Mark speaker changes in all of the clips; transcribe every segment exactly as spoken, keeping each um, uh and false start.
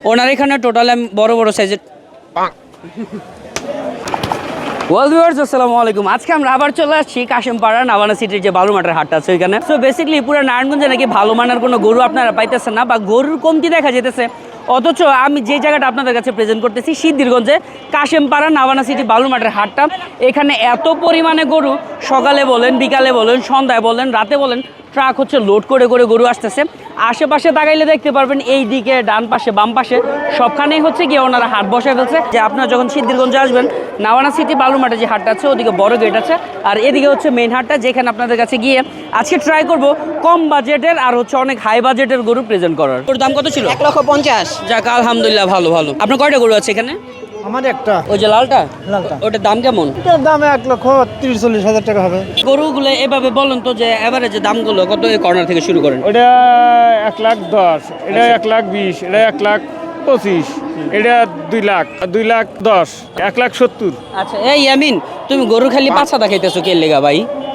Speaker 1: ওনার এখানে টোটাল বড় বড় সাইজের ওয়েল ভিউয়ার্স আসসালামু আলাইকুম। আজকে আমরা আবার চলে আসছি কাশিমপাড়া নাভানা সিটির যে বালুমাটার হাটটা আছে ওইখানে। সো বেসিক্যালি পুরো নারায়ণগঞ্জে নাকি ভালো মানের কোনো গরু আপনারা পাইতেছেন না বা গরুর কমতি দেখা যেতেছে, অথচ আমি যে জায়গাটা আপনাদের কাছে প্রেজেন্ট করতেছি সিদ্ধিরগঞ্জে কাশিমপাড়া নাভানা সিটি বালুমাটার হাটটা। এখানে এত পরিমাণে গরু, সকালে বলেন, বিকালে বলেন, সন্ধ্যায় বলেন, রাতে বলেন, ট্রাক হচ্ছে লোড করে করে গরু আসতেছে। আশেপাশে তাকাইলে দেখতে পারবেন এই দিকে, ডান পাশে, বাম পাশে সবখানেই হচ্ছে গিয়ে ওনারা হাট বসায় ফেলছে। যে আপনারা যখন সিদ্ধিরগঞ্জে আসবেন, নাভানা সিটি বালুমাটে যে হাটটা আছে ওদিকে বড় গেট আছে, আর এদিকে হচ্ছে মেইন হাটটা, যেখানে আপনাদের কাছে গিয়ে আজকে ট্রাই করব কম বাজেটের আর হচ্ছে অনেক হাই বাজেটের গরু প্রেজেন্ট করার। ওর দাম কত ছিল?
Speaker 2: এক লক্ষ পঞ্চাশ।
Speaker 1: যাক আলহামদুলিল্লাহ, ভালো ভালো। আপনার কয়টা গরু আছে এখানে?
Speaker 3: আমার একটা
Speaker 1: ওই যে লালটা,
Speaker 3: লালটা
Speaker 1: ওটার দাম কেমন?
Speaker 3: এটার দাম এক লক্ষ তিরিশ চল্লিশ হাজার টাকা হবে।
Speaker 1: গরুগুলো এভাবে বলেন তো, যে এভারেজে দামগুলো কত কর্নার থেকে শুরু করেন?
Speaker 3: ওটা এক লাখ দশ, এটা এক লাখ বিশ, এটা এক লাখ পঁচিশ, এটা দুই লাখ, দুই লাখ দশ, এক লাখ সত্তর।
Speaker 1: আচ্ছা এই ইয়ামিন, তুমি গরু খালি পাছা দেখাইতেছো কে লেগা ভাই?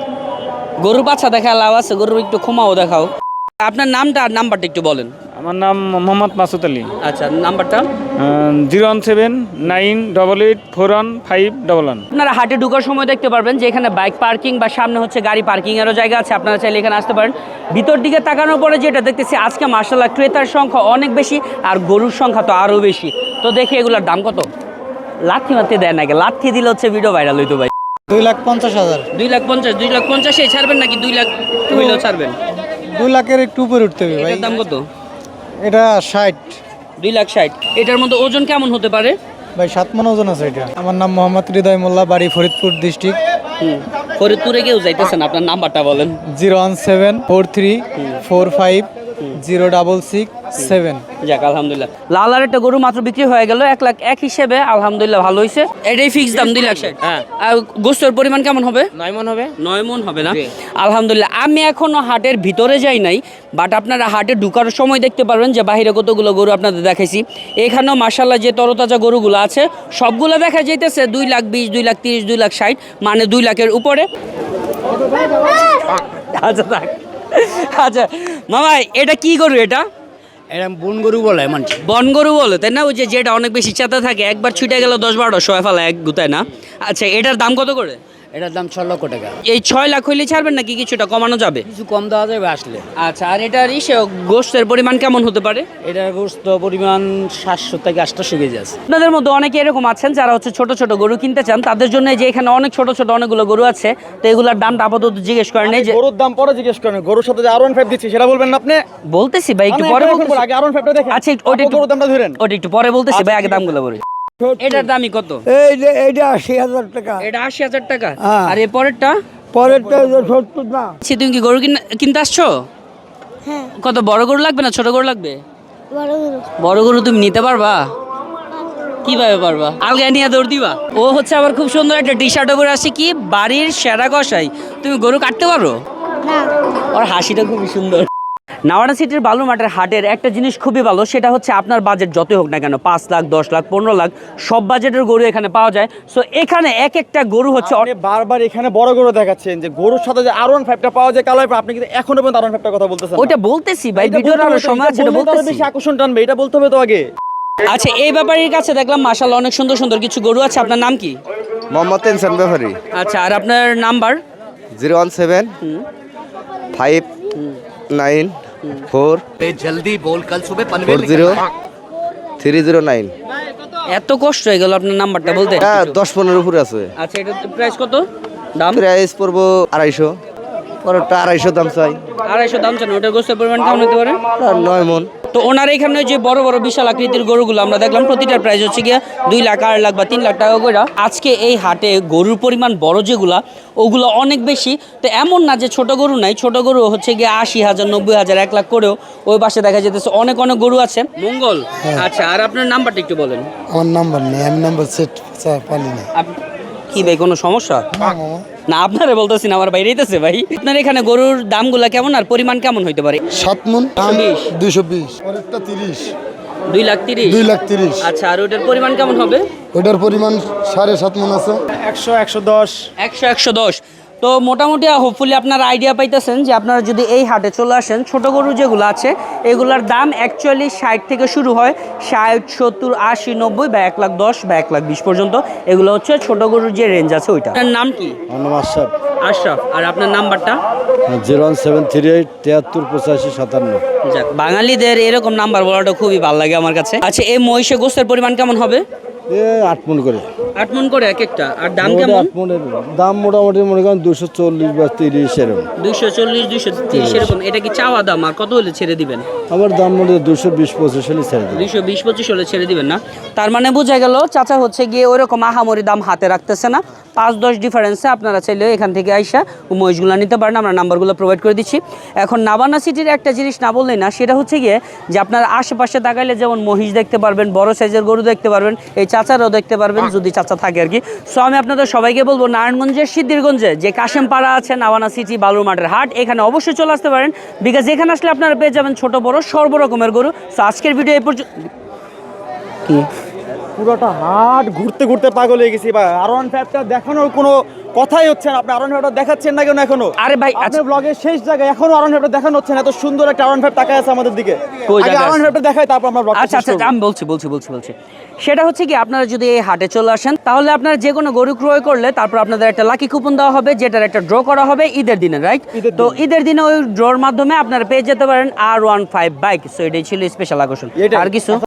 Speaker 1: গরু পাছা দেখা লাভ আছে, গরুর একটু ক্ষমাও দেখাও। আপনার নামটা আর নাম্বারটা একটু বলেন।
Speaker 3: আমার নাম মোহাম্মদ মাসুদ আলী।
Speaker 1: আচ্ছা নাম্বারটা?
Speaker 3: Zero one seven nine double eight four one five double one.
Speaker 1: আপনারা হাটে ঢোকার সময় দেখতে পারবেন যে এখানে বাইক পার্কিং বা সামনে হচ্ছে গাড়ি পার্কিংয়েরও জায়গা আছে, আপনারা চাইলে এখানে আসতে পারেন। ভিতর দিকে তাকানোর পরে যেটা দেখতেছি, আজকে মার্শাল্লাহ ক্রেতার সংখ্যা অনেক বেশি আর গরুর সংখ্যা তো আরও বেশি। তো দেখি এগুলোর দাম কত। লাথি মারতে দেয় নাকি? লাথি দিলে হচ্ছে ভিডিও ভাইরাল হইতো ভাই।
Speaker 3: দুই লাখ পঞ্চাশ হাজার।
Speaker 1: দুই লাখ পঞ্চাশ দুই লাখ পঞ্চাশে ছাড়বেন নাকি দুই লাখ হইলেও ছাড়বেন?
Speaker 3: দুই লাখের একটু উপরে উঠতে হবে ভাই।
Speaker 1: এটার দাম কত?
Speaker 3: এটা ষাট।
Speaker 1: দুই লাখ ষাট। এটার মধ্যে ওজন কেমন হতে পারে
Speaker 3: ভাই? সাত মন ওজন আছে এটা। আমার নাম মোহাম্মদ হৃদয় মোল্লা, বাড়ি ফরিদপুর ডিস্ট্রিক্ট।
Speaker 1: হুম, ফরিদপুরে কেউ যাইতেছেন? আপনার নাম্বারটা বলেন।
Speaker 3: Zero one seven four three four five zero double six seven.
Speaker 1: যাক আলহামদুলিল্লাহ, লাল আর একটা গরু মাত্র বিক্রি হয়ে গেল এক লাখ এক হিসেবে, আলহামদুলিল্লাহ ভালো হয়েছে। এটাই ফিক্স দাম দুই লাখ ষাট। হ্যাঁ, আর গোস্তের পরিমাণ কেমন হবে?
Speaker 2: নয় মন হবে।
Speaker 1: নয় মন হবে না? আলহামদুলিল্লাহ। আমি এখনো হাটের ভিতরে যাই নাই, বাট আপনারা হাটে ঢুকার সময় দেখতে পারবেন যে বাইরে কতগুলো গরু আপনাদের দেখাইছি। এখানেও মার্শাল্লাহ যে তরতাজা গরুগুলো আছে সবগুলো দেখা যাইতেছে দুই লাখ বিশ, দুই লাখ তিরিশ, দুই লাখ ষাট, মানে দুই লাখের উপরে। আচ্ছা থাক। আচ্ছা মামা, এটা কি গরু? এটা
Speaker 2: এরকম বন গরু বলে মানুষ।
Speaker 1: বন গরু বলে তাই না? ওই যে যেটা অনেক বেশি চেতা থাকে, একবার ছুটে গেল দশ বারোটা শোয়া ফেলা এক গুতায় না? আচ্ছা এটার দাম কত করে?
Speaker 2: এটার দাম ছ লক্ষ টাকা।
Speaker 1: এই ছয় লাখ হইলে ছাড়বেন নাকি কিছুটা কমানো যাবে?
Speaker 2: কিছু কম দেওয়া যাবে আসলে।
Speaker 1: আচ্ছা, আর এটার ইসে গোস্তের পরিমাণ কেমন হতে পারে?
Speaker 2: এটার গোস্ত পরিমাণ সাতশো থেকে আটশো কেজি আছে।
Speaker 1: আপনাদের মধ্যে অনেকে এরকম আছেন যারা হচ্ছে ছোট ছোট গরু কিনতে চান, তাদের জন্য যে এখানে অনেক ছোট ছোট অনেকগুলো গরু আছে, তো এগুলোর দামটা আপাতত জিজ্ঞেস করেন। এই যে
Speaker 4: গরুর দাম পরে জিজ্ঞেস করেন, গরুর সাথে যে আর ওয়ান ফাইভ দিচ্ছি সেটা বলবেন না আপনি?
Speaker 1: বলতেছি ভাই, একটু পরে বলতেছি।
Speaker 4: আগে আর ওয়ান ফাইভটা দেখেন।
Speaker 1: আচ্ছা ওটা একটু,
Speaker 4: গরুর দামটা ধরেন।
Speaker 1: ওটা একটু পরে বলতেছি ভাই, আগে দামগুলো বলি। এটার দামই কত?
Speaker 3: এই যে এইটা আশি হাজার টাকা।
Speaker 1: এটা আশি হাজার টাকা।
Speaker 3: হ্যাঁ।
Speaker 1: আর এর পরেরটা?
Speaker 3: পরেরটা সত্তর না।
Speaker 1: আচ্ছা, তুমি কি গরু কিন- কিনতে আসছো?
Speaker 5: হ্যাঁ,
Speaker 1: কত বড় গরু লাগবে না ছোট গরু লাগবে?
Speaker 5: বড় গরু।
Speaker 1: বড় গরু তুমি নিতে পারবা? কিভাবে পারবা? আলগা নিয়ে দৌড় দিবা? ও হচ্ছে আবার খুব সুন্দর একটা টি শার্ট পরে আসছে, কি বাড়ির সেরা কষাই। তুমি গরু কাটতে পারো?
Speaker 5: না,
Speaker 1: ওর হাসিটা খুবই সুন্দর। নাভানা সিটির বালুমাটের হাটের একটা জিনিস খুবই ভালো, সেটা হচ্ছে আপনার বাজেট যতই হোক না কেন, পাঁচ লাখ দশ লাখ পনেরো লাখ সব বাজেটের গরু এখানে পাওয়া যায়। সো এখানে এক একটা গরু হচ্ছে
Speaker 4: আপনি বারবার এখানে বড় গরু দেখাচ্ছেন, যে গরুর সাথে যে আর ওয়ান ফাইভটা পাওয়া যায় কালাই, আপনি কিন্তু এখনো পর্যন্ত আর ওয়ান ফাইভটার কথা বলতেছেন না।
Speaker 1: ওইটা বলতেছি ভাই,
Speaker 4: এটা
Speaker 1: ভিডিওর
Speaker 4: বলতে
Speaker 1: আরো
Speaker 4: হবে তো,
Speaker 1: সময়
Speaker 4: এটা
Speaker 1: আছে, এটা
Speaker 4: বললে তো আরো
Speaker 1: বলতেছি।
Speaker 4: বেশি আকর্ষণ টানবে, এটা বলতে হবে তো আগে।
Speaker 1: আচ্ছা, এই ব্যাপারীর কাছে দেখলাম মাশাআল্লাহ অনেক সুন্দর সুন্দর কিছু গরু আছে। আপনার নাম কি?
Speaker 6: মোহাম্মদ তেনসান ব্যাপারী।
Speaker 1: আচ্ছা, আর আপনার নাম্বার?
Speaker 6: Zero one seven five nine four
Speaker 2: জলদি বল, কাল সুবে
Speaker 6: four zero three zero nine.
Speaker 1: এত কষ্ট হয়ে গেল আপনার নাম্বারটা বলতে?
Speaker 6: হ্যাঁ, দশ পনেরো উপরে আছে।
Speaker 1: আচ্ছা, এটা প্রাইস কত? দাম?
Speaker 6: প্রাইস পড়বো আড়াইশো, পরেরটা আড়াইশো দাম চাই।
Speaker 1: আড়াইশো দাম চান। ওটার গোস্তের পরিমাণ কেমন হতে পারে?
Speaker 6: আর নয় মন।
Speaker 1: তো ওনার এখানে যে বড় বড় বিশাল আকৃতির গরুগুলো আমরা দেখলাম, প্রতিটার প্রাইস হচ্ছে গিয়ে দুই লাখ আড়াই লাখ বা তিন লাখ টাকা করে। আজকে এই হাটে গরুর পরিমাণ বড় যেগুলা, ওগুলো অনেক বেশি। তো এমন না যে ছোট গরু নাই, ছোট গরু হচ্ছে গিয়ে আশি হাজার নব্বই হাজার এক লাখ করেও ওই পাশে দেখা যেতেছে অনেক অনেক গরু আছে। মঙ্গল। আচ্ছা, আর আপনার নাম্বারটা একটু বলেন।
Speaker 3: আমার নাম্বার নেই, আমি নাম্বার সেট পালি না।
Speaker 1: আপ- কি ভাই, কোনো সমস্যা? না আপনারে বলতেছি না, আমার বাইরে হইতেছে ভাই। আপনার এখানে গরুর দামগুলা কেমন আর পরিমাণ কেমন হইতে পারে?
Speaker 3: সাত মন
Speaker 1: বিশ।
Speaker 3: দুইশো বিশ, পরেরটা তিরিশ,
Speaker 1: দুই লাখ তিরিশ।
Speaker 3: দুই লাখ তিরিশ।
Speaker 1: আচ্ছা, আর ওটার পরিমাণ কেমন হবে?
Speaker 3: ওটার পরিমাণ সাড়ে সাত মন আছে।
Speaker 4: একশো একশো দশ
Speaker 1: একশো একশো দশ। তো মোটামুটি হোপফুলি আপনারা আইডিয়া পাইতেছেন যে আপনারা যদি এই হাটে চলে আসেন, ছোট গরু যেগুলো আছে এগুলোর দাম অ্যাকচুয়ালি ষাট থেকে শুরু হয়, ষাট সত্তর আশি নব্বই বা এক লাখ দশ বা এক লাখ বিশ পর্যন্ত। এগুলো হচ্ছে ছোট গরুর যে রেঞ্জ আছে ওইটা। আপনার নাম কি?
Speaker 7: আশরাফ
Speaker 1: আশরাফ। আর আপনার নাম্বারটা?
Speaker 7: Zero one seven three eight তিয়াত্তর পঁচাশি সাতান্ন।
Speaker 1: যাক, বাঙালিদের এরকম নাম্বার বলাটা খুবই ভালো লাগে আমার কাছে। আচ্ছা, এই মহিষে গোস্তের পরিমাণ কেমন হবে?
Speaker 7: এ আট মন করে।
Speaker 1: আট মন করে এক একটা। আর দাম
Speaker 7: মোটামুটি
Speaker 1: কেমন?
Speaker 7: আট মনের দাম মোটামুটি মনে করেন দুশো চল্লিশ বা তিরিশ এরকম।
Speaker 1: দুইশো চল্লিশ দুইশো তিরিশ এরকম। এটা কি চাওয়া দাম? আর কত হলে ছেড়ে দিবেন?
Speaker 7: আমার দাম মনে হয় দুশো বিশ পঁচিশ হলে ছেড়ে দেবে।
Speaker 1: দুইশো বিশ পঁচিশ হলে ছেড়ে দিবেন না? তার মানে বোঝা গেল চাচা হচ্ছে গিয়ে ওইরকম আহামরি দাম হাতে রাখতেছে না। পাঁচ দশ ডিফারেন্সে আপনারা চাইলে এখান থেকে আইসা মহিষগুলো নিতে পারেন। আমরা নাম্বারগুলো প্রোভাইড করে দিচ্ছি। এখন নাবানা সিটির একটা জিনিস না বললেই না, সেটা হচ্ছে গিয়ে যে আপনারা আশেপাশে তাকাইলে যেমন মহিষ দেখতে পারবেন, বড় সাইজের গরু দেখতে পারবেন, এই চাচারাও দেখতে পারবেন যদি চাচা থাকে আর কি। সো আমি আপনাদের সবাইকে বলবো নারায়ণগঞ্জের সিদ্ধিরগঞ্জে যে কাশেমপাড়া আছে নাবানা সিটি বালুর মাঠের হাট, এখানে অবশ্যই চলে আসতে পারেন। বিকজ এখানে আসলে আপনারা পেয়ে যাবেন ছোট বড় সর্বরকমের গরু। সো আজকের ভিডিও এই পর্যন্ত। কি
Speaker 4: পুরোটা হাট ঘুরতে ঘুরতে পাগল হয়ে গেছি ভাই। আর ওয়ান ফাইভটা দেখানোর কোনো কথাই হচ্ছে না। আপনি আর ওয়ান ফাইভটা দেখাচ্ছেন না কেন এখনো?
Speaker 1: আরে ভাই,
Speaker 4: আপনার ব্লগের শেষ জায়গায় এখনো আর ওয়ান ফাইভটা দেখানো হচ্ছে না। এত সুন্দর একটা আর ওয়ান ফাইভ তাকায় আছে আমাদের দিকে।
Speaker 1: কই
Speaker 4: আগে
Speaker 1: জায়গায়
Speaker 4: আর ওয়ান
Speaker 1: আছে?
Speaker 4: ফাইভটা দেখাই, তারপর আমরা ব্লগটা
Speaker 1: আচ্ছা
Speaker 4: শেষ
Speaker 1: আচ্ছা
Speaker 4: করব।
Speaker 1: আমি বলছি বলছি বলছি বলছি সেটা হচ্ছে কি, আপনারা যদি এই হাটে চলে আসেন তাহলে আপনারা যে কোনো গরু ক্রয় করলে তারপর আপনাদের একটা লাকি কুপন দেওয়া হবে, যেটার একটা ড্র করা হবে ঈদের দিনে, রাইট?
Speaker 4: ঈদের
Speaker 1: তো
Speaker 4: দিনে।
Speaker 1: ঈদের দিনে ওই ড্রর মাধ্যমে আপনারা পেয়ে যেতে পারেন আর ওয়ান ফাইভ বাইক। সো এটাই ছিল স্পেশাল আকর্ষণ।
Speaker 4: এটাই।
Speaker 1: আর কিছু